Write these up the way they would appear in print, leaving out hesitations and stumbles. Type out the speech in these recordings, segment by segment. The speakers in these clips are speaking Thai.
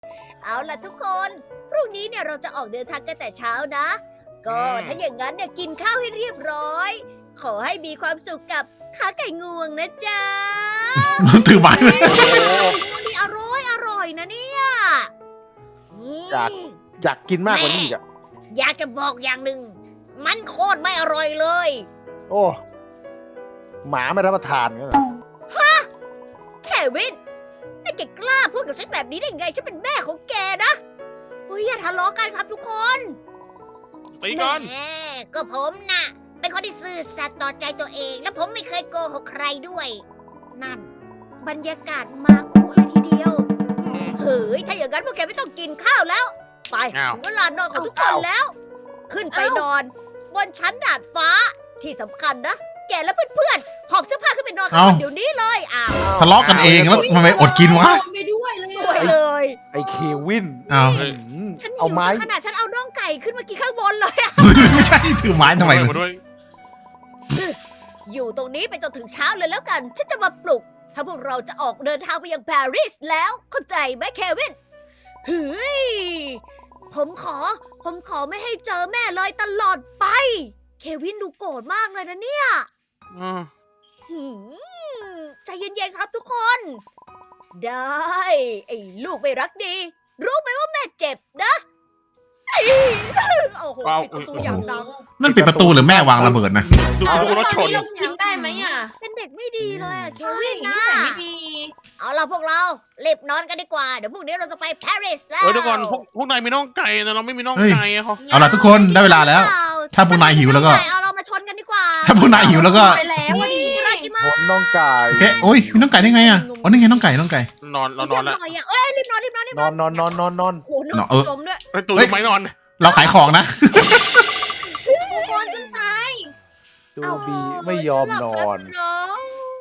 เอาล่ะทุกคนพรุ่งนี้เนี่ยเราจะออกเดินทางกันแต่เช้านะ ก็ถ้าอย่างนั้นเนี่ยกินข้าวให้เรียบร้อย ขอให้มีความสุขกับขาไก่งวงนะจ๊ะถือไม้เลยนี่อร่อยนะเนี่ยอืมอยากกินมากกว่านี้อีกอะอยากจะบอกอย่างหนึ่งมันโคตรไม่อร่อยเลยโอ้หมาไม่รับประทานกันเหรอเควินนี่แกกล้าพูดกับฉันแบบนี้ได้ไงฉันเป็นแม่ของแกนะเฮ้ยอย่าทะเลาะกันครับทุกคนตีก่อนแหมก็ผมน่ะ เป็นคนที่ซื่อสัตย์ต่อใจตัวเอง และผมไม่เคยโกหกใครด้วย นั่น บรรยากาศมาคุเลยทีเดียวเฮ้ยถ้าอย่างนั้นพวกแกไม่ต้องกินข้าวแล้ว ไปอ้าวถึงเวลานอนของทุกคนแล้ว ขึ้นไปนอน บนชั้นดาดฟ้าที่สำคัญนะ แกและเพื่อนๆหอบเสื้อผ้าขึ้นไปนอนข้างบนเดี๋ยวนี้เลยอ้าวทะเลาะกันเองแล้วทำไมอดกินวะไปด้วยเลยสวยเลยไอเควินอ้าวหืมฉันหิเอาวไม้จนขนาดฉันเอาน่องไก่ขึ้นมากินข้างบนเลยอะไม่ใช่ถือไม้ทำไมมาด้วยอยู่ตรงนี้ไปจนถึงเช้าเลยแล้วกัน ฉันจะมาปลุก ถ้าพวกเราจะออกเดินทางไปยังปารีสแล้ว เข้าใจไหมเควินเฮ้ยผมขอไม่ให้เจอแม่เลยตลอดไป เควินดูโกรธมากเลยนะเนี่ยอืมหืมใจเย็นๆครับทุกคน ได้ ไอ้ลูกไม่รักดี รู้ไหมว่าแม่เจ็บนะไอ้โอ้โหปิดประตูอย่างดังนั่นปิดประตูหรือแม่วางระเบิดนะดูรถชนเรากินได้ไหมอ่ะเป็นเด็กไม่ดีเลยอะเคใช่วินนินะสัยไม่ดีเอาล่ะพวกเรารีบนอนกันดีกว่า เดี๋ยวพรุ่งนี้เราจะไปปารีสแล้วเดี๋ยวก่อนพวกนายมีน่องไก่แต่เราไม่มีน่องไก่อะเขาเอาล่ะทุกคนได้เวลาแล้ว ถ้าพวกนายหิวแล้วก็เอาเรามาชนกันดีกว่าถ้าพวกนายหิวแล้วก็ไปแล้ววันนี้จะรักกี่มาผลน้องไก่เอ๊ะโอ้ยมีน้องไก่ได้ไงอ่ะอ๋อนี่ไงน้องไก่น้องไก่นอนเรานอนแล้วหน่อยอะเอ้ยรีบนอนรีบนอนรีบนนออนนนอนนอนนอนนอนโอ้โหนึกเออจมด้วยไอ้ตูดเฮ้ยทำไมนอนเราขายของนะทุกคนฉันตายตูบีไม่ยอมนอนฉัหลับแล้วเนอะ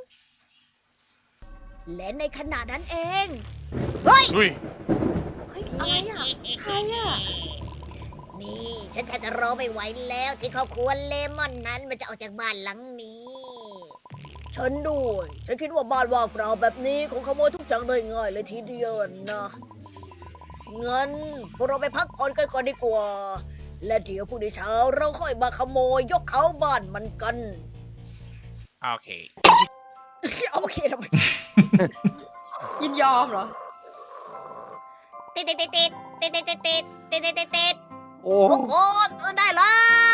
และในขณะนั้นเอง เฮ้ยอุ้ยเฮ้ยอะไรอ่ะใครอ่ะนี่ฉันแทบจะรอไม่ไหวแล้วที่ครอบครัวเลมอนนั้นมันจะออกจากบ้านหลังนี้ ฉันด้วยฉันคิดว่าบ้านว่างเปล่าแบบนี้คงขโมยทุกอย่างได้ง่ายเลยทีเดียวนะงั้นพวกเราไปพักผ่อนกันก่อนดีกว่า และเดี๋ยวพรุ่งนี้เช้าเราค่อยมาขโมยยกเขาบ้านมันกันโอเคโอเคทำไมยินยอมเหรอติดติดติดติดติดติดติดติดติดติดติดติดโอ้ทุกคนตื่นได้แล้ว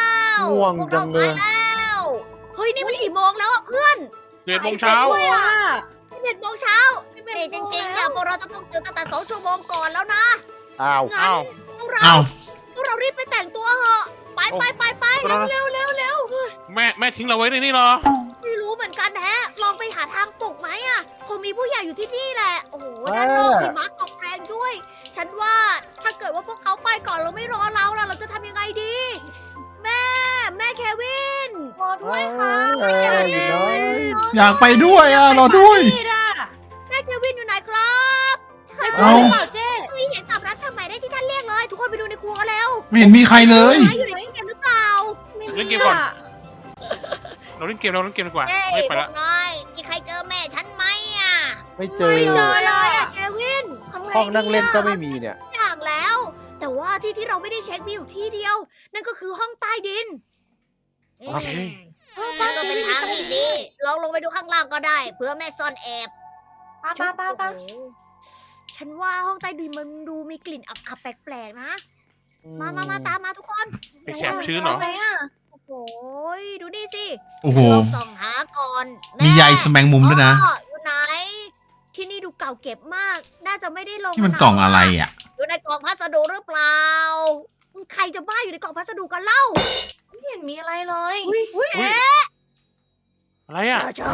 ง่วงพวกจัเรางเลยสายแล้วเฮ้ยนี่มันกี่โมงแล้วอะเพื่อน 11 โมงเช้าด้วยอ่ะ 11 โมงเช้านี่จริงๆเนี่ยพวกเราจะต้องตื่นตั้งแต่2 ชั่วโมงก่อนแล้วนะอ้าวงั้นอ้าวพวกเราเอาพวกเรารีบไปแต่งตัวเหอะไปไปไปไปเร็วเร็วเร็วแม่ทิ้งเราไว้ในนี่เหรอไม่รู้เหมือนกันแฮะลองไปหาทางปลุกไหมอะคงมีผู้ใหญ่อยู่ที่นี่แหละโอ้โหด้านนอกหิมะตกแรงด้วย ฉันว่าถ้าเกิดว่าพวกเขาไปก่อนเราไม่รอเราล่ะเราจะทำยังไงดี แม่เควินรอด้วยค่ะอยู่น้อยอยากไปด้วยอ่ะรอด้วยนี่อ่ะแม่เควินอยู่ไหนครับใครเอ้าพูดหรือเปล่าเจ๊ไม่เห็นตอบรับทำไมได้ที่ท่านเรียกเลย ทุกคนไปดูในครัวแล้วไม่เห็นมีใครเลยนายอยู่ในเกมหรือเปล่าเล่นเกมก่อน เราเล่นเกมดีกว่าเอ้ยไม่พไปวละกนายมีใครเจอแม่ฉันไหมอ่ะไม่เจอไม่เจอเลยอ่ะเควินทำไงห้องนั่งเล่นก็ไม่มีเนี่ยอย่างแล้ว แต่ว่าที่เราไม่ได้เช็คมีอยู่ที่เดียว นั่นก็คือห้องใต้ดินโอเคนั่นก็เป็นทางที่ดีลองลงไปดูข้างล่างก็ได้ เพื่อแม่ซ่อนแอบป้าโอ้โหฉันว่าห้องใต้ดินมันดูมีกลิ่นอับๆแปลกๆนะ มาตามมาทุกคนไปแคบชื้นเหรอไปอ่ะโอ้โหดูนี่สิโอ้โหลองส่องหาก่อนแมีใยแสมงมุมด้วยนะพ่ออยู่ไหน ที่นี่ดูเก่าเก็บมาก น่าจะไม่ได้ลงนี่มันกล่องอะไรอ่ะอยู่ในกล่องพัสดุหรือเปล่า ใครจะบ้าอยู่ในกล่องพัสดุกันเล่าไม่เห็นมีอะไรเลยอุ๊ยอะไรอ่ะจ้า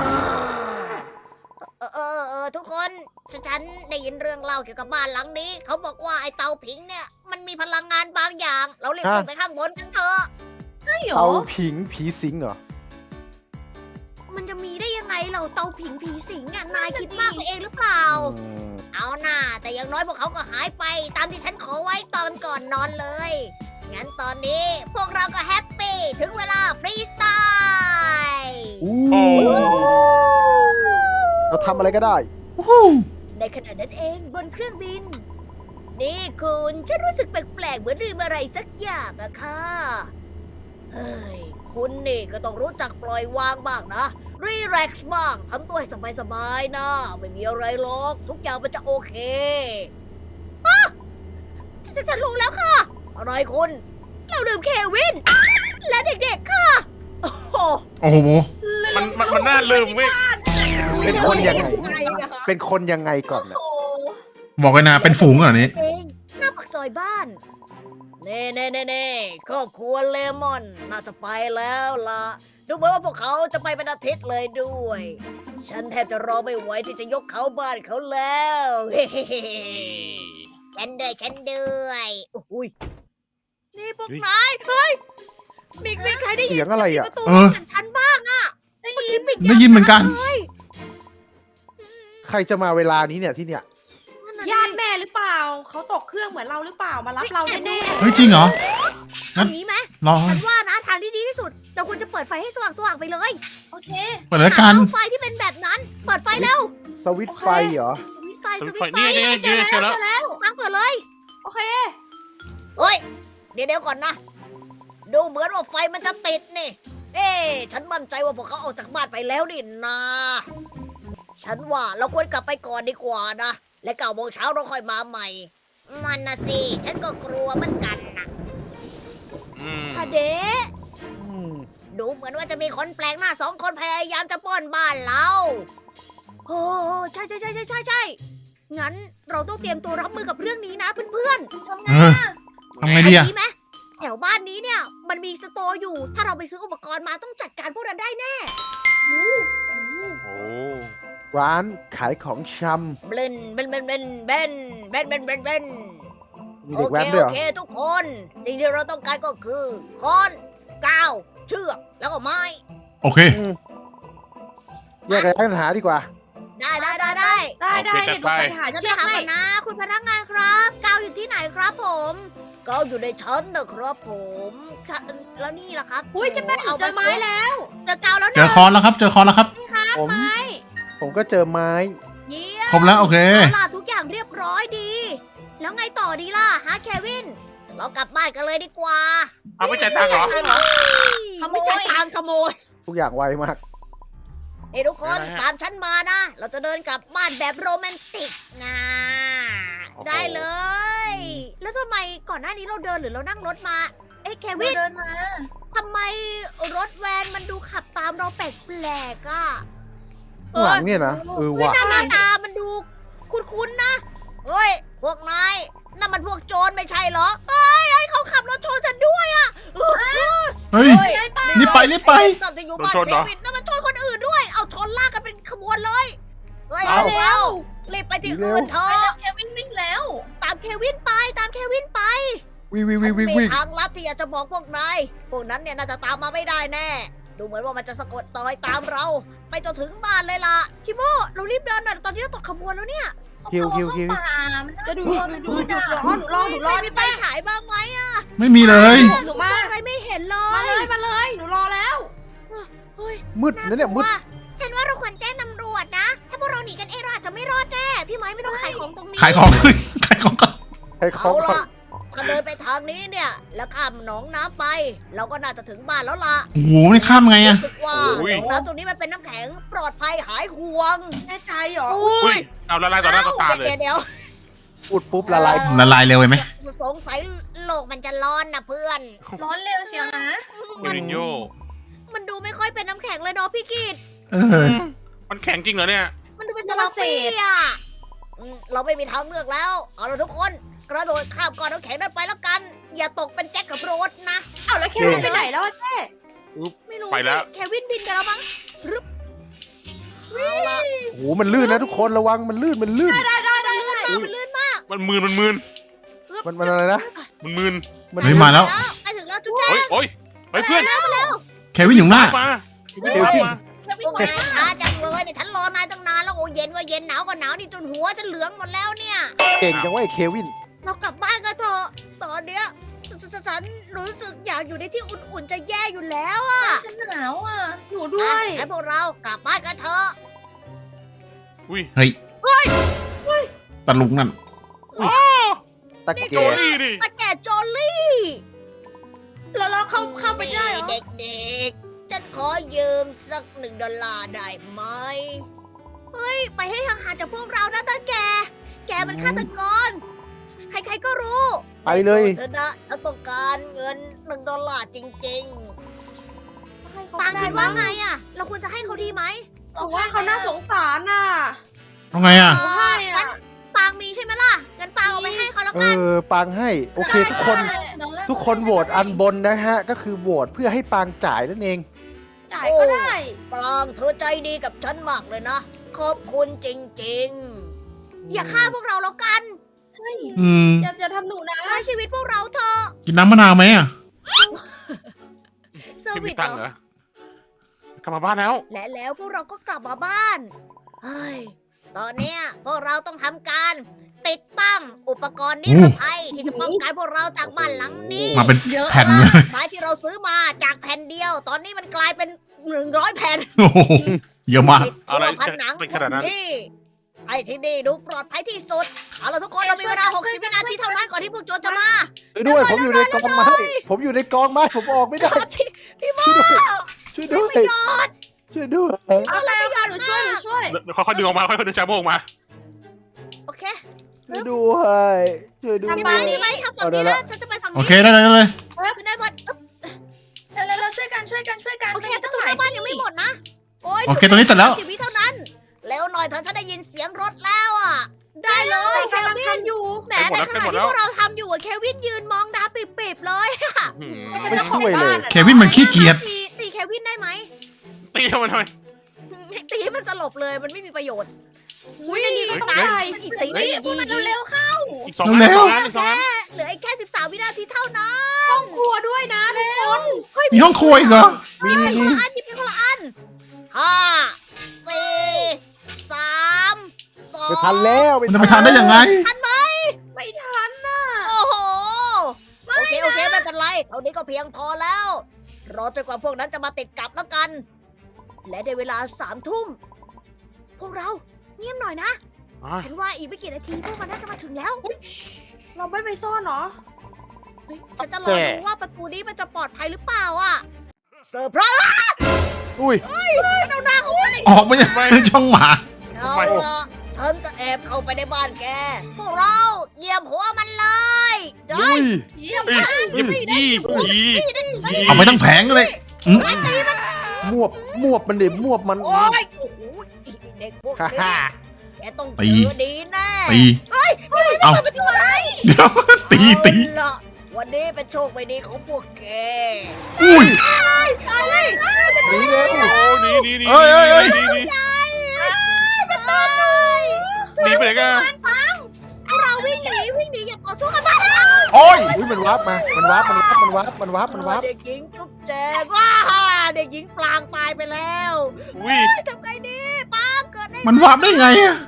ทุกคนฉันได้ยินเรื่องเล่าเกี่ยวกับบ้านหลังนี้ เขาบอกว่าไอ้เตาผิงเนี่ยมันมีพลังงานบางอย่าง เราเรียกฮะขึ้นไปข้างบนกันเถอะใช่เหรอเอาผิงผีสิงเหรอมันจะมีได้ยังไงเราเตาผิงผีสิงอ่ะนายคิดมากไปเองหรือเปล่าอืมเอาหน่าแต่อย่างน้อยพวกเขาก็หายไป ตามที่ฉันขอไว้ตอนก่อนนอนเลย งั้นตอนนี้พวกเราก็แฮปปี้ถึงเวลาฟรีสไตล์อู้โอ้เราทำอะไรก็ได้ในขณะนั้นเองบนเครื่องบินนี่คุณฉันรู้สึกแปลกๆเหมือนลืมอะไรสักอย่างอะค่ะเฮ้ยคุณนี่ก็ต้องรู้จักปล่อยวางบ้างนะรีแลกซ์บ้างทำตัวให้สบายๆนะไม่มีอะไรหรอกทุกอย่างมันจะโอเคอ่ะฉันรู้แล้วค่ะอะไรคุณเราลืมเควินและเด็กๆค่ะโอ้โหโอ้โหมันน่าลืมเว้ยเป็นคนยังไง เป็นคนยังไงก่อนนะโอ้บอกเลยนะเป็นฝูงเหรอนี้เองหน้าปากซอยบ้านเน่ครอบครัวเลมอนน่าจะไปแล้วล่ะดูเหมือนว่าพวกเขาจะไปเป็นอาทิตย์เลยด้วย ฉันแทบจะรอไม่ไหวที่จะยกเขาบ้านเขาแล้ว ฉันด้วยอุ้ยนี่พวกนายเฮ้ยมีใครได้ยินเสียงอะไรอ่ะประตูเออฉันบ้างอะได้เมื่อยิกี้นปิดได้ยินเหมือนกันเลยใครจะมาเวลานี้เนี่ยที่เนี่ยญาติแม่หรือเปล่า เขาตกเครื่องเหมือนเราหรือเปล่า มารับเราแน่เฮ้ยจริงเหรอเอางี้ไหมรอฉันว่านะทางที่ดีที่สุด เราควรจะเปิดไฟให้สว่างๆไปเลยโอเคเปิดแล้วกันหาเสาไฟที่เป็นแบบนั้น เปิดไฟเร็วสวิตช์ไฟเหรอสวิตช์ไฟสวิตช์ไฟนี่เจอแล้วเจอแล้วเจอแล้วทางเปิดเลยๆ โอเคเฮ้ย เดี๋ยวก่อนนะ ดูเหมือนว่าไฟมันจะติดนี่ เอ๊ะฉันมั่นใจว่าพวกเขาออกจากบ้านไปแล้วนี่นา ฉันว่าเราควรกลับไปก่อนดีกว่านะ และ9 โมงเช้าเราค่อยมาใหม่ มันนะสิ ฉันก็กลัวเหมือนกันนะอืมฮะเดะอืมดูเหมือนว่าจะมีคนแปลกหน้า2 คนพยายามจะปล้นบ้านเรา โอ้ใช่ งั้นเราต้องเตรียมตัวรับมือกับเรื่องนี้นะเพื่อนทำไงเอออะทำไงๆดีอะไหมแถวบ้านนี้เนี่ย มันมีสโตร์อยู่ ถ้าเราไปซื้ออุปกรณ์มาต้องจัดการพวกนั้นได้แน่โอ้ร้านขายของชเบนมีำมีเด็เด็กกแว้นด้วยเหรอโอเคทุกคน สิ่งที่เราต้องการก็คือค้อนกาวเชือกแล้วก็ไม้โอเคอืมแยกกันหาดีกว่าได้ได้ได้เดี๋ยวหนูไปหาฉันเชืไปอกหาให้ก่อนนะ คุณพนักงานครับกาวอยู่ที่ไหนครับผมกาวอยู่ในชั้นนะครับผมชั้นแล้วนี่ล่ะครับอุ้ยเจะแป้งหนูเจอไม้แล้วเจอกาวแล้วเจอคอนแล้วครับ เจอคอนแล้วครับผมไม้ผมก็เจอไม้เยี่ยมครบแล้วโอเคเอาล่ะทุกอย่างเรียบร้อยดี แล้วไงต่อดีล่ะฮะเควิน เรากลับบ้านกันเลยดีกว่าเอาไม่จ่ายตังค์เหรอไม่ใช่ทางขโมยทุกอย่างไวมากเฮ้ยทุกคนอะไรฮะตามฉันมานะ เราจะเดินกลับบ้านแบบโรแมนติกนะโอ้โหได้เลย แล้วทำไมก่อนหน้านี้เราเดินหรือเรานั่งรถมา เอ้ยเควินเดินมาทำไมรถแวนมันดูขับตามเราแปลกๆอ่ะข้างหลังเนี่ยนะว่ะหน้าตามันดูคุ้นๆนะ เฮ้ย พวกนายนั่นมันพวกโจรไม่ใช่เหรอเฮ้ยเขาขับรถชนฉันด้วยอ่ะเฮ้ย รีบไปรีบไปตอนจะอยู่บ้านโดนชนเคเหรอวินนั่นมันชนคนอื่นด้วย เอาชนลากกันเป็นขบวนเลย เฮ้ยเอาเร็วรีบไปที่อื่นเถไปอะแล้วเควินวิ่งแล้วตามเควินไปตามเควินไปวิ่งวิ่งฉัวิ่นงวิ่งมีวิ่งทางลับที่อยากจะบอกพวกนายพวกนั้นเนี่ยน่าจะตามมาไม่ได้แน่ ดูเหมือนว่ามันจะสะกดรอยตามเรา ไปจนถึงบ้านเลยล่ะคิโมเรารีบเดินหน่อยตอนนี้เราตกขบวนแล้วเนี่ยคิวคิวคิวเข้าป่ามันน่าจะดูกลัวดูหยุดรอหนูรอใครมีไฟฉายบ้างไหมอะไม่มีเลยหนูมาอะไรไม่เห็นเลมาย เลยมาเลย หนูรอแล้วเฮ้ยมืดนะเนี่ยมืดฉันว่าเราควรแจ้งตำรวจนะ ถ้าพวกเราหนีกันเองเราอาจจะไม่รอดแน่ พี่ไม้ไม่ต้องขายของตรงนี้ขายของ ขายของก่อนใครขอเอางก่อนล่ะถ้าเดินไปทางนี้เนี่ย แล้วข้ามหนองน้ำไป เราก็น่าจะถึงบ้านแล้วล่ะโอ้โหไม่ข้ามไงอะรู้สึกว่าโอ้หยนองน้ำตรงนี้มันเป็นน้ำแข็งปลอดภัยหายห่วงแน่ใจเหรออุ้ยเอาละลายต่อหน้าต่อตาเลยเดี๋ยวพูดปุ๊บละลายละลายเร็วไหมสงสัยโลกมันจะร้อนนะเพื่อนร้อนเร็วเชียวนะมูรินโญ่มันดูไม่ค่อยเป็นน้ำแข็งเลยเนาะพี่กิตเออมันแข็งจริงเหรอเนี่ยมันดูเป็นสลับเปีอะเราไม่มีทางเลือกแล้ว เอาละทุกคน กระโดดข้ามก้อนน้ำแข็งนั้นไปแล้วกัน อย่าตกเป็นแจ็คกับโรสนะเอาแล้วเควินไปไหนแล้วอะเจ๊ไม่รู้ไปแล้วสิเควินบินไปแล้วมั้งรึบเอาละโอ้โหมันลื่นนะทุกคนระวังมันลื่นมันลื่นมันลื่นมากมันมืนมันมืนมันอะไรนะมันมืนเฮ้ยมาแล้วไปถึงแล้วจุ๊บแจ๊โอ้ยโอ้ยเฮ้ยเพื่อนเควินอยู่หน้ามาไม่เดี๋ยวตามสิมาเควิพนวกมานายช้าจังเลยเนี่ยฉันรอนายตั้งนานแล้วโอ้เย็นก็เย็นหนาวก็หนาวนี่จนหัวฉันเหลืองหมดแล้วเนี่ยเก่งจังว่าไอ้เควินเรากลับบ้านกันเถอะตอนเนี้ยฉันรู้สึกอยากอยู่ในที่อุ่นๆจะแย่อยู่แล้วอะฉันหนาวอ่ะหนูด้วยงั้นพวกเรากลับบ้านกันเถอะอุ้ยเฮ้ยตะลุงนั่นตะนี่แกโจลี่ดิตาแก่โจลี่แล้วเราเข้าไปได้เหรอเด็กๆ ฉันขอยืมสัก$1ได้ไหม เฮ้ย ไปให้ห่างๆจากพวกเรานะตาแก แกมันฆาตกร ใครๆก็รู้ไปเลยเธอนะฉันต้องการเงิน$1จริงให้เขาๆ ปางได้คิดว่าไงอะเราควรจะให้เขาดีไหมถือว่าเขาน่าสงสารน่ะเอาไงอ่ะเขาให้อ่ะปางมีใช่ไหมล่ะงั้นปางเอาไปให้เขาแล้วกันปางให้ โอเคทุกคน ทุกคนโหวตอันบนนะฮะ ก็คือโหวตเพื่อให้ปางจ่ายนั่นเองจ่ายก็ได้ปรางเธอใจดีกับฉันมากเลยนะ ขอบคุณจริงๆ อย่าฆ่าพวกเราแล้วกันอืมอย่าทำหนูนะให้ชีวิตพวกเราเถอะกินน้ำมะนาวไหมอ่ะเซอร์พี่วิมีสตังค์เหรอกลับมาบ้านแล้วและแล้วพวกเราก็กลับมาบ้านเฮ้ยตอนเนี้ยพวกเราต้องทำการติดตั้งอุปกรณ์นิรภัยที่จะป้องกันพวกเราจากบ้านหลังนี้มาเป็นเยอะแผ่นเลยไม้ที่เราซื้อมาจากแผ่นเดียว ตอนนี้มันกลายเป็น100แผ่นโอ้โหเยอะมากติดทั่วผนังเป็นขนาดนั้นที่ไอ้ที่นี่ดูปลอดภัยที่สุดเอาล่ะทุกคนเรามีเวลา60วินาทีเท่านั้นก่อนที่พวกโจรจะมาช่วยด้วย ผมอยู่ในกองไม้ผมอยู่ในกองไม้ผมออกไม่ได้พี่โมช่วยด้วยไม่ยอดช่วยด้วยเอาไปค่ะหนูช่วยเดี๋ยวค่อยๆดึงออกมาค่อยๆดึงชาโมออกมาโอเคช่วยด้วยช่วยด้วพี่ยมานี่ไหมทำฝั่งนี้นะฉันจะไปฝั่งโอนี้เคได้เลยได้เลยขึ้นด้านบนอึ๊บเราช่วยกันโอเคประตูหน้าบ้านยังไม่หมดนะโอ้ยโอเคตรงนี้เสร็จแล้ว 10วิเท่านั้นเร็วหน่อยเถอะฉันได้ยินเสียงรถแล้วอ่ะได้เลยเคกำลังวินทำอยู่แหมในขณะที่พวกเราทำอยู่อะเควินยืนมองดาปิบๆเลยหืมเป็นเจ้าของบ้านอะเควินมันขี้เกียจตีเควินได้ไหมตีมันทำไมตีให้มันสลบเลยมันไม่มีประโยชน์อุ้ยในนี้ก็ต้องเฮ้ยจ่ายอีกตีเฮ้ยยิงมันเร็วๆเข้าอีก2 เร็วอันอีก2อันเหลืออีกแค่13วินาทีเท่านั้นครัวด้วยนะทุกคนมีห้องครัวอีกเหรอมีคนมีละอันหยิบไปคนละอัน5 4 3 2 ไม่ทันแล้วมันจะไปทานได้ยังไงทันไหมไม่ทันน่ะโอ้โหโอเคไม่เป็นไรเท่านี้ก็เพียงพอแล้วรอจนกว่าพวกนั้นจะมาติดกับแล้วกัน และในเวลา3 ทุ่มพวกเราเงียบหน่อยนะอ่ะฉันว่าอีกไม่กี่นาทีพวกมันน่าจะมาถึงแล้วเราไม่ไปซ่อนเหรอเฮ้ยฉันจะรอดูว่าประตูนี้มันจะปลอดภัยหรือเปล่าอ่ะเซอร์ไพรส์อุ้ยเอาหน้าเขาไปออกไปจากช่องหมาเอาละฉันจะแอบเข้าไปในบ้านแก พวกเราเหยียบหัวมันเลยได้อุ้ยเยี่ยมเอ้ยยี่ยี่เอาไปทั้งแผงเลยมวบมวบมันดิมวบมันโอ้ยโอ้โหเด็กพวกฮ่านี้ฮ่าแกต้องตีเจอดีแน่ตีเอาเดี๋ยวตีเอาละวันนี้เป็นโชคไม่ดีของพวกแกอุ้ยหนีเร็วโอ้หนีหนีหนีเอ้ยเอ้ยเอ้ยหนีหนีหนีไปไหนกันพวกเราวิ่งหนีอย่าต่อสู้กันมาโอ้ยอุ้ยมันวาร์ปมามันวาร์ปมันวาร์ปเด็กหญิงจุ๊บแจงว้าเด็กหญิงปลางตายไปแล้วอุ้ยทำไงดีปางเกิดได้มันวาร์ปได้ไงอ่ะ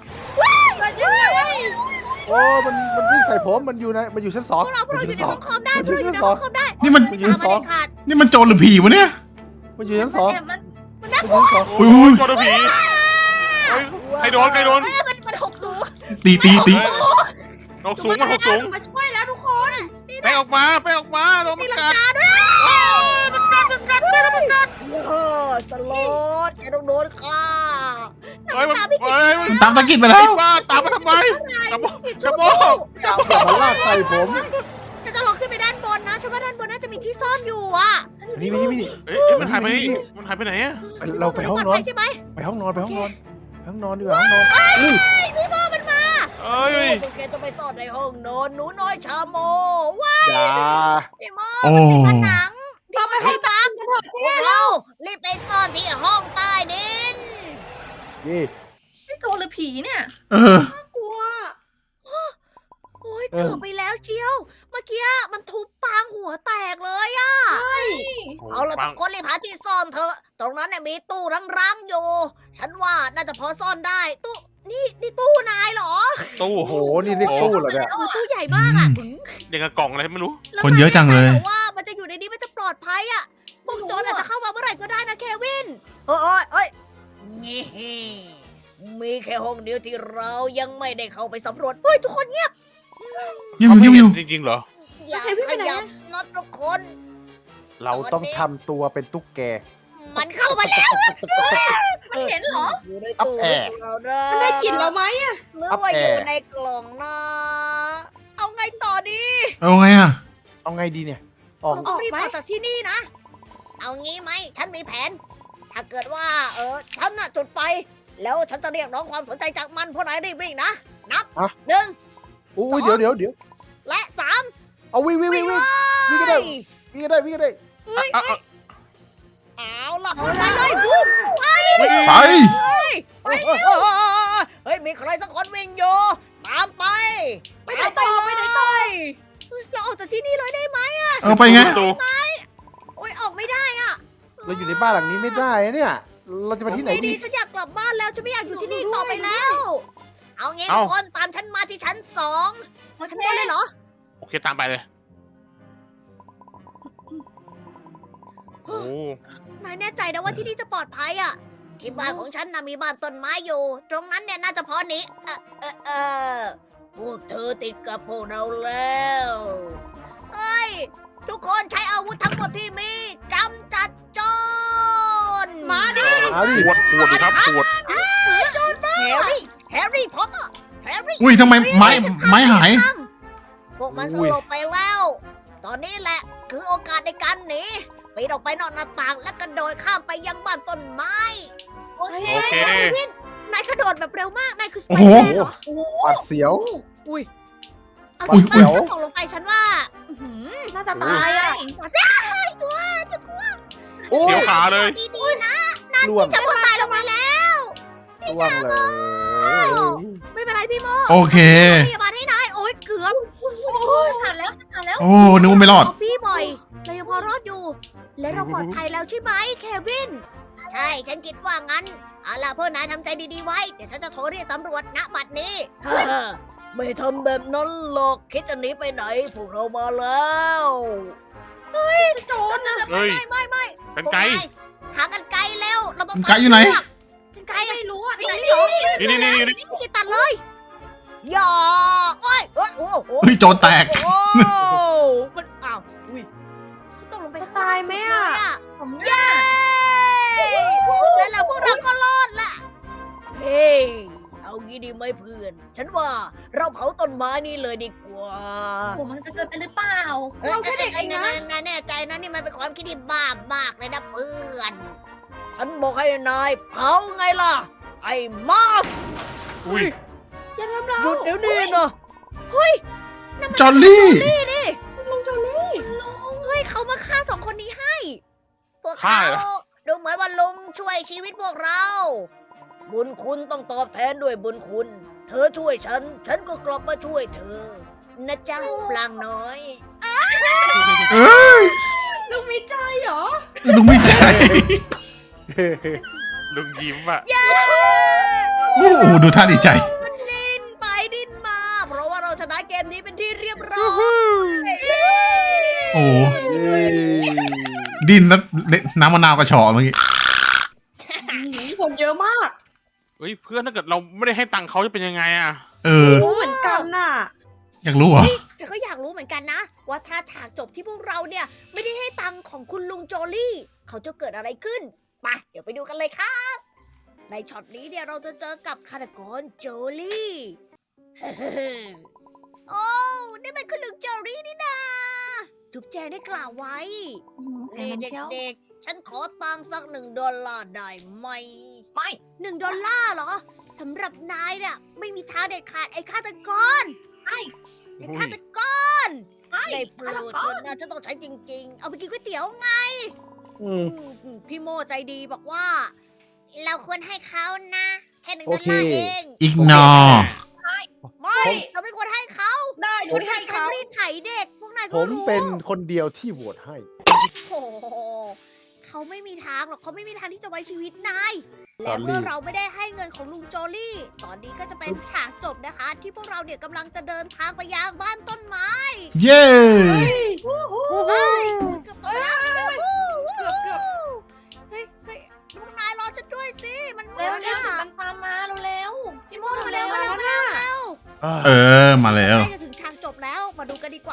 โอ้มันวิ่งใส่ผมมันอยู่ชั้นพ 2 วกเราอยู่ในชั้นห้องคอมได้พวกเราอยู่ในห้องคอมได้นี่มันมันอยู่ชั้นตามมา 2 เด็ดขาดนี่มันโจรหรือผีวะเนี่ยมันอยู่ชั้น 2 แอบมันมันอยู่ชั้นอุ้ยอุ้ยโดนผีเฮ้ย ใครโดนเอ้ยมันหกสูงตีหกสูงมันหกสูงมาช่วยแล้วทุกคนไปออกมาโดนมันกัดเออสโลดแกต้องโดนฆ่าเฮ้ยมันมันตามตะกิดไปแล้วบ้าตามมาทำไมจะโมจะจะโม 2มันลากใส่ผมจะลองขึ้นไปด้านบนนะฉันว่าด้านบนน่าจะมีที่ซ่อนอยู่อ่ะนี่เอ้ยมันหายไปไหนอะเราไปห้องนอนใช่ไหมไปห้องนอนดีกว่าห้องนอนอุ้ยพี่โมมันมาเอ้ยพวกแกต้องไปซ่อนในห้องนอนหนูน้อยชาโมว้าอย่าพี่โมโอ้ผนังเราไปให้บังกันเถอะพวกเรารีบไปซ่อนที่ห้องใต้ดินนี่นี่โจรหรือผีเนี่ยเออกลัวโอ้ยเกือบไปแล้วเชียว เมื่อกี้มันทุบปางหัวแตกเลยอะเอาละทุกคนรีบหาที่ซ่อนเถอะ ตรงนั้นเนี่ยมีตู้ร้างๆอยู่ ฉันว่าน่าจะพอซ่อนได้ ตู้นี่ตู้นายเหรอตู้โอ้โหนี่เรียกตู้เหรอเนี่ยโอ้ตู้ใหญ่มากอะอย่างกับกล่องอะไรไม่รู้แล้วคนเยอะจังเลยนายแน่ใจหรอว่ามันจะอยู่ในนี้มันจะปลอดภัยอะพวกโจรอาจจะเข้ามาเมื่อไหร่ก็ได้นะเควินเอ้ยงี้มีแค่ห้องเดียวที่เรายังไม่ได้เข้าไปสำรวจเฮ้ยทุกคนเงียบยิ้มอยู่ยิ้มอยู่จริงๆเหรออย่าขยับน็อตทุกคนเราต้องทำตัวเป็นตุ๊กแกมันเข้ามาแล้วมันเห็นเหรออยู่ในอัพตู้แอร์ของเรานะมันได้กลิ่นเราไหมอะหรืออัพว่าแออร์ยู่ในกล่องนะ เอาไงต่อดีเอาไงอ่ะเอาไงดีเนี่ย ออกเราต้องรีบออกจากที่นี่นะ เอางี้ไหม ฉันมีแผน ถ้าเกิดว่าฉันน่ะจุดไฟ แล้วฉันจะเรียกร้องความสนใจจากมันพวกนายรีบวิ่งนะ นับ 1 อุ้ยเดี๋ยวและ 3 เอาวิ่งวิ่งเลยวิ่งก็ได้ วิ่งก็ได้เอาล่ะเอาเลยบูมไปเฮ้ย มีใครสักคนวิ่งอยู่ ตามไปไปไหนต่อไปไหนต่อเฮ้ยเราออกจากที่นี่เลยได้ไหมเอาไปไงประตูโอ้ยออกไม่ได้อะเราอยู่ในบ้านหลังนี้ไม่ได้อะเนี่ย เราจะไปที่ไหนไม่ดีดีฉันอยากกลับบ้านแล้วฉันไม่อยากอยู่ที่นี่อีกต่อไปแล้ว เอางี้ทุกคนตามฉันมาที่ชั้น 2 โอเคชั้นบนเลยเหรอโอเคตามไปเลย โอ้นายแน่ใจนะว่าที่นี่จะปลอดภัยอะที่บ้านของฉันนะมีบ้านต้นไม้อยู่ ตรงนั้นเนี่ยน่าจะพอหนีพวกเธอติดกับพวกเราแล้วเอ้ย ทุกคนใช้อาวุธทั้งหมดที่มีกำจัดโจรมาดิมาดิปวดดิครับปวดแฮร์รี่พอตเตอร์แฮร์รี่อุ้ยทำไมไม้หายพวกมันสลบไปแล้ว ตอนนี้แหละคือโอกาสในการหนีปีนออกไปนอกหน้าต่างและกระโดดข้ามไปยังบ้านต้นไม้โอเคโอเควินนายกระโดดแบบเร็วมาก นายคือสไปโอ้เดอโหร์แมนเหรอโอ้โหปัดเสียวอุ้ยเอาอุ๊ยที่อุ๊ยตกลงไปฉันว่าอื้อหือน่าจะตายอะหัวเสียตัวโอ้เสียยวขาเลยดีๆนะล่วงจะพอตายลงมาแล้วล่วงเลยไม่เป็นไรพี่โมโอเคพยาบาลให้นายโอ้ยเกือบผ่านแล้วผ่านแล้วโอ้นึกว่าไม่รอดพี่บ่อยเรายังพอรอดอยู่ และเราปลอดภัยแล้วใช่ไหมเควิน ใช่ ฉันคิดว่างั้น เอาล่ะพวกนายทำใจดีๆไว้ เดี๋ยวฉันจะโทรเรียกตำรวจณบัดนี้ ไม่ทำแบบนั้นหรอก คิดจะหนีไปไหน พวกเรามาแล้วโจรนะเฮ้ยไม่กันไกลหากันไกลเร็ว เราต้องกรรไกรอยู่ไหนกันไกลไม่รู้อะไหนไหนเหรอนี่พี่กิตตัดเลยอย่าโอ้ยโอ้ยโอ้โหเฮ้ยโจรแตกโอ้มันอ้าวอุ้ยเขาตกลงไปข้งล่งตายไหมอะสุดเลยผมเย้แล้วเราพวกเราก็รอดละเฮ้ยเอางี้ดีไหมเพื่อน ฉันว่าเราเผาต้นไม้นี่เลยดีกว่าผมมันจะเกิดไปหรือเปล่าเราแค่เด็กเองนะนายแน่ใจนะนี่มันเป็นความคิดที่บ้ามากเลยนะเพื่อน ฉันบอกให้นายเผาไงล่ะ ไอ้มาฟอุ้ยอย่าทำเราหยุดเดี๋ยวนี้นะเฮ้ยจอลลี่นี่นี่ลุงโจลี่เฮ้ยเขามาฆ่าสองคนนี้ให้ พวกฆ่าเขาเหรอดูเหมือนว่าลุงช่วยชีวิตพวกเรา บุญคุณต้องตอบแทนด้วยบุญคุณ เธอช่วยฉัน ฉันก็กลับมาช่วยเธอ นะจ๊ะปลางน้อยเอ้ยลุงมีใจเหรอลุงไม่ใจลุงยิ้มอ่ะโอ้โหดูท่าดีใจมันดิ้นไปดิ้นมา เพราะว่าเราชนะเกมนี้เป็นที่เรียบร้อยโอ้โหเย้ดินแล้วน้ำมะนาวกระชอกเมื่อกี้คนเยอะมากเฮ้ยเพื่อนถ้าเกิดเราไม่ได้ให้ตังค์เขาจะเป็นยังไงอ่ะเออรู้เหมือนกันน่ะอยากรู้เหรอฉันก็อยากรู้เหมือนกันนะ ว่าถ้าฉากจบที่พวกเราเนี่ยไม่ได้ให้ตังค์ของคุณลุงโจลี่ เขาจะเกิดอะไรขึ้นไปเดี๋ยวไปดูกันเลยครับ ในช็อตนี้เนี่ยเราจะเจอกับฆาตกรโจลี่ โอ้นี่มันคุณลุงโจลี่นี่นาจุ๊บแจงได้กล่าวไว้เสียงนี่น้ำเชียวเด็กๆ ฉันขอตังค์สัก$1ได้ไหมไม่ $1เหรอสำหรับนายเนี่ยไม่มีทางเด็ดขาดไอ้ฆาตกร ไอ้อุ้ฆาย ตกรไม่ได้โปรดเถอะนะฉันต้องใช้จริง ๆ เอาไปกินก๋วยเตี๋ยวไงอืมพี่โมใจดีบอกว่า เราควรให้เขานะ แค่$1 โอเคเองอีกนอไม่ เราไม่ควรให้เขาได้หนูให้เขารีดไถเด็ก พวกนายผก็มรู้เป็นคนเดียวที่โหวตให้โอ้โหเขาไม่มีทางหรอกเขาไม่มีทางที่จะไว้ชีวิตนายจและอลลี่เมื่อเราไม่ได้ให้เงินของลุงโจลี่ ตอนนี้ก็จะเป็นฉากจบนะคะ ที่พวกเราเนี่ยกำลังจะเดินทางไปยังบ้านต้นไม้เย้เฮ้ยเกือบตกแล้วเกือบเฮ้ยพวกนายรอฉันด้วยสิ มันมืเร็ดวเร็วอะตามมาเร็วๆพี่โมมาเร็เร็ววเร็วมาเร็วเออมาแล้วใกล้จะถึงฉากจบ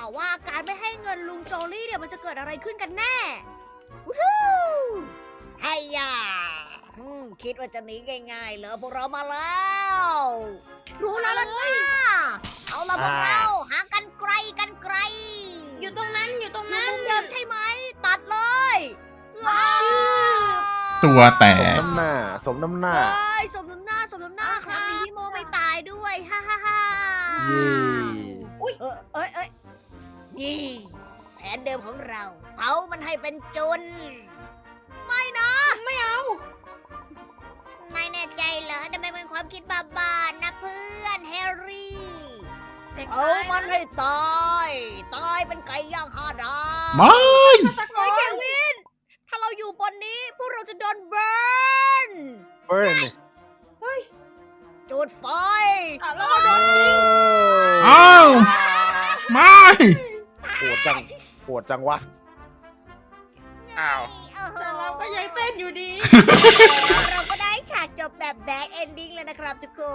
ว่าว่าการไม่ให้เงินลุงโจลี่เนี่ยมันจะเกิดอะไรขึ้นกันแน่วู้ฮู้ไฮยาคิดว่าจะหนีง่ายๆเหรอพวกเรามาแล้วรู้แล้วล่ะนะเอาละพวกเราหากันไกลอยู่ตรงนั้นอยู่ตรงนั่นั้นนเดิมใช่ไหมตัดเลยว้าวตัวแตสมกน้ำหน้า สมน้ำหน้าเฮ้ยสมน้ำหน้าครับมีพี่โมไม่ตายด้วยฮ่าฮ่าฮ่าเย่เอ้ยนี่แผนเดิมของเราเผามันให้เป็นจุนไม่นะไม่เอานายแน่ใจเหรอทำไมเป็นความคิดบ้าๆนะเพื่อนแฮร์รี่เด็กเผามันให้ตายเป็นไก่ย่าง5 ดาวไม่ตะโกเฮ้ยเคน วิน ถ้าเราอยู่บนนี้พวกเราจะโดนเบิร์นเบิร์นจุดไฟแล้วก็โดนยิงอ้าวไม่โหดจัง โหดจังวะอ้าวแต่เราก็ยังเต้นอยู่ดีเราก็ได้ฉากจบแบบแบดเอนดิ้งแล้วนะครับทุกคน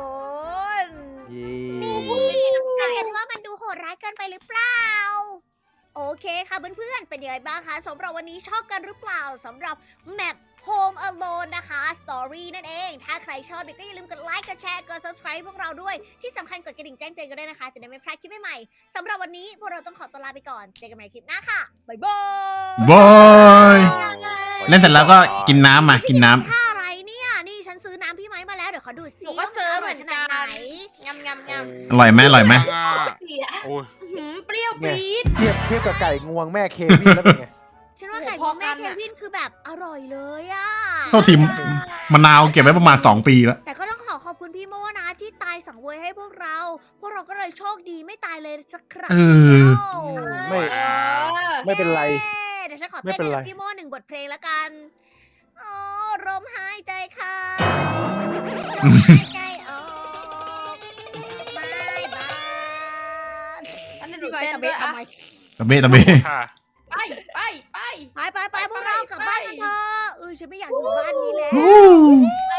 เย่เห็นว่ามันดูโหดร้ายเกินไปหรือเปล่า โอเคค่ะเพื่อนๆ เป็นยังไงบ้างคะสำหรับวันนี้ชอบกันหรือเปล่าสำหรับแมป Home Alone นะคะ Story นั่นเอง ถ้าใครชอบก็อย่าลืมกดไลค์กดแชร์กด subscribe พวกเราด้วย ที่สำคัญกดกระดิ่งแจ้งเตือนกันด้วยนะคะ จะได้ไม่พลาดคลิปใหม่ๆสำหรับวันนี้พวกเราต้องขอตัวลาไปก่อน เจอกันใหม่คลิปหน้าค่ะ บ๊ายบายบอย เล่นเสร็จแล้วก็กินน้ำมากินน้ำท่าอะไรเนี่ย นี่ฉันซื้อน้ำพี่ไม้มาแล้ว เดี๋ยวขอดูดหซินูก็ซื้อเหมือนกันว่ามัร่ยขนาดไหนยำยำยำอร่อยไหมอร่อยไหมเสียโอ้ยเปรี้ยวปรี๊ดเทียบกับไก่งวงแม่เควินแล้วเป็นไงฉันว่าไก่โอ้ขโหองแม่พอกันเคอะวินคือแบบอร่อยเลยอะโทษทีมะนาวเก็บไว้ประมาณ2 ปีแล้วแต่ก็ต้องขอบคุณพี่โมนะที่ตายสังเวยให้พวกเรา พวกเราก็เลยโชคดีไม่ตายเลยสักครั้งเออไม่ ไม่เป็นไรเดี๋ยวฉันขอไม่เต้นเป็นไรให้พี่โม1 บทเพลงแล้วกันโอ้ลมหายใจเข้าลมหายใจออกบายบายอันนี้หนูเต้นด้วยอะตะเบะตะเบะค่ะไปไปไปไปพวกเรากลับบ้านกันเถอะฉันไม่อยากอยู่บ้านนี้แล้ววู้